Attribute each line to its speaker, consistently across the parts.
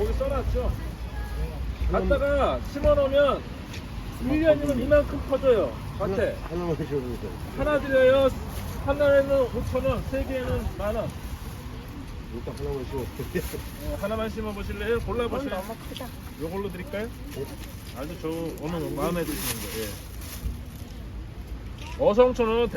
Speaker 1: 거기 써놨죠. 갖다가 심어놓으면 1년이면 이만큼 커져요. 밭에.
Speaker 2: 하나만 줘보세요.
Speaker 1: 하나 드려요. 하나에는 5,000원, 세 개에는 10,000원.
Speaker 2: 일단 하나만 줘보세요.
Speaker 1: 하나만 심어보실래요? 골라보세요.
Speaker 3: 너무 크다.
Speaker 1: 요걸로 드릴까요? 아주 저 오늘 마음에 드시는 거. 예. 어성초는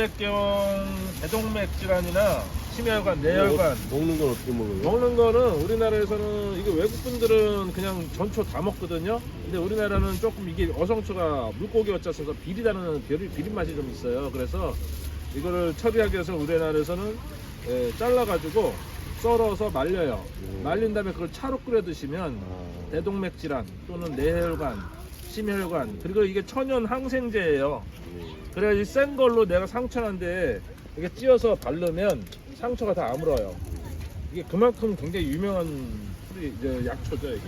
Speaker 1: 대동맥 질환이나 심혈관, 내혈관
Speaker 2: 먹는 건 어떻게 먹어요?
Speaker 1: 먹는 거는 우리나라에서는 이게 외국 분들은 그냥 전초 다 먹거든요. 근데 우리나라는 조금 이게 어성초가 물고기 어쩌서 비리다는 비린 맛이 좀 있어요. 그래서 이거를 처리하기 위해서 우리나라에서는 잘라가지고 썰어서 말려요. 말린 다음에 그걸 차로 끓여 드시면 대동맥 질환 또는 내혈관, 심혈관 그리고 이게 천연 항생제예요. 그래야지 센 걸로 내가 상처난데 이게 찧어서 바르면 상처가 다 아물어요. 이게 그만큼 굉장히 유명한 약초죠 이게.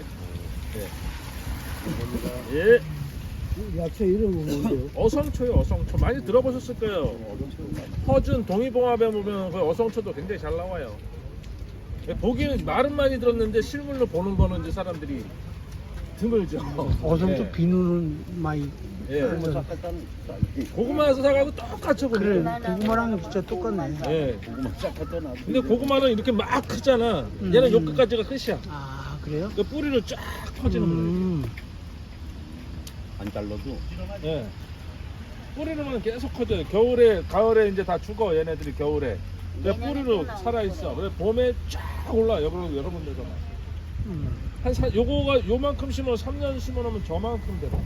Speaker 1: 예. 예.
Speaker 2: 야채 이름은 뭔데요?
Speaker 1: 어성초요, 어성초. 많이 들어보셨을 거예요. 허준 동의봉합에 보면 그 어성초도 굉장히 잘 나와요. 보기는 말은 많이 들었는데 실물로 보는 거는 이제 사람들이 드물죠.
Speaker 4: 어성초
Speaker 1: 예.
Speaker 4: 비누는 많이
Speaker 1: 예. 고구마에서 사가고 똑같죠,
Speaker 4: 그래
Speaker 1: 보면.
Speaker 4: 고구마랑 진짜 똑같네.
Speaker 1: 예.
Speaker 2: 고구마 싹했잖아.
Speaker 1: 근데 고구마는 이렇게 막 크잖아. 얘는 요 끝까지가 끝이야.
Speaker 4: 아 그래요?
Speaker 1: 그 뿌리를 쫙 퍼지는 거예요.
Speaker 2: 안 잘라도.
Speaker 1: 예. 뿌리로만 계속 커져요. 겨울에, 가을에 이제 다 죽어, 얘네들이 겨울에. 근데 뿌리로 살아있어. 그래 봄에 쫙 올라, 여러분들도. 요거가 요만큼 심어 3년 심어놓으면 저만큼 돼.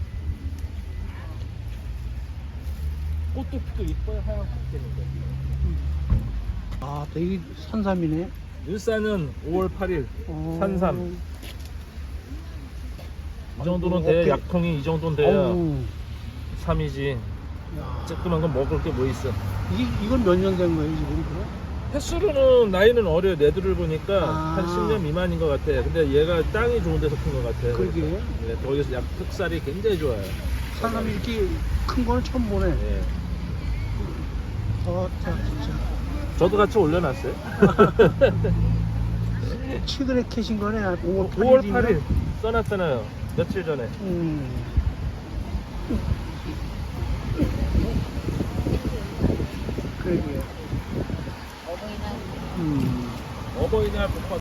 Speaker 1: 꽃도 피도 이뻐요, 하얀 꽃 되는데.
Speaker 4: 아 되게 산삼이네.
Speaker 1: 일산은 5월 8일,
Speaker 4: 어.
Speaker 1: 산삼. 이 정도는 돼,
Speaker 4: 어때?
Speaker 1: 약통이 이 정도는 돼야
Speaker 4: 어우,
Speaker 1: 3이지.
Speaker 4: 야.
Speaker 1: 조그만 건 먹을 게 뭐 있어.
Speaker 4: 이건 몇 년 된 거예요 지금 그래?
Speaker 1: 횟수로는 나이는 어려요. 내들을 보니까
Speaker 4: 아.
Speaker 1: 한 10년 미만인 것 같아. 근데 얘가 땅이 좋은 데서 큰 것 같아.
Speaker 4: 그러게.
Speaker 1: 네, 거기서 약 흑살이 굉장히 좋아요.
Speaker 4: 산삼이 이렇게 큰 거는 처음 보네.
Speaker 1: 예.
Speaker 4: 자 진짜
Speaker 1: 저도 같이 올려놨어요.
Speaker 4: 최근에 캐신 거네. 5월
Speaker 1: 5월
Speaker 4: 8일이면?
Speaker 1: 8일 써놨잖아요. 며칠 전에.
Speaker 4: 그러게요.
Speaker 3: 어버이날
Speaker 4: 음.
Speaker 1: 어버이날 복받